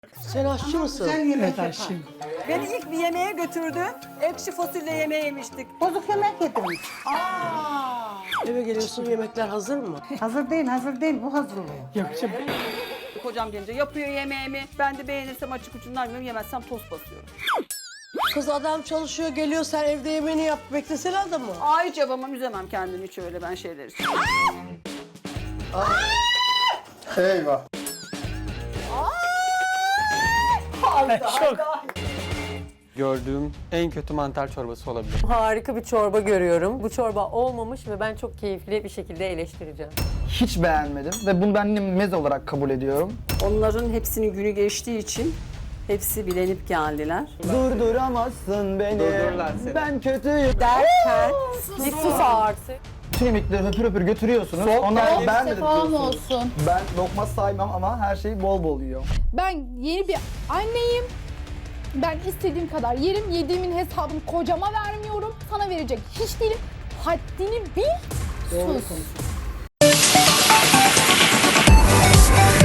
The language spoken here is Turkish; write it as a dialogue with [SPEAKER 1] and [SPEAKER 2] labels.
[SPEAKER 1] Sen aşçı mısın?
[SPEAKER 2] Sen yemek
[SPEAKER 3] Evet
[SPEAKER 2] yapar.
[SPEAKER 3] aşçıyım.
[SPEAKER 4] Beni ilk bir yemeğe götürdü. Ekşi fasulye yemeği yemiştik.
[SPEAKER 2] Bozuk yemek yedim.
[SPEAKER 1] Eve geliyorsun, yemekler hazır mı?
[SPEAKER 2] Hazır değil, hazır değil. Bu hazırlıyor.
[SPEAKER 3] Yapacağım.
[SPEAKER 4] Kocam gelince yapıyor yemeğimi. Ben de beğenirsem açık ucundan yiyorum, yemezsem toz basıyorum.
[SPEAKER 1] Kız adam çalışıyor, geliyor, sen evde yemeğini yap, beklesene adamı.
[SPEAKER 4] Ay cabamam, üzemem kendimi hiç öyle ben şeyler için.
[SPEAKER 5] Eyvah.
[SPEAKER 3] Şok.
[SPEAKER 6] Gördüğüm en kötü mantar çorbası olabilir.
[SPEAKER 7] Harika bir çorba görüyorum. Bu çorba olmamış ve ben çok keyifli bir şekilde eleştireceğim.
[SPEAKER 5] Hiç beğenmedim ve bunu ben meze olarak kabul ediyorum.
[SPEAKER 4] Onların hepsinin günü geçtiği için hepsi bilenip geldiler.
[SPEAKER 5] Durduramazsın beni.
[SPEAKER 6] Durdururlar seni.
[SPEAKER 5] Ben kötüyüm.
[SPEAKER 7] Derken bir sus artık.
[SPEAKER 5] Bütün yemekleri höpür höpür götürüyorsunuz. Ondan beğenmedim
[SPEAKER 8] Sefam
[SPEAKER 5] diyorsunuz.
[SPEAKER 8] olsun.
[SPEAKER 5] Ben lokma saymam ama her şeyi bol bol yiyor.
[SPEAKER 8] Ben yeni bir anneyim. Ben istediğim kadar yerim. Yediğimin hesabını kocama vermiyorum. Sana verecek hiç değilim. Haddini bil, sus.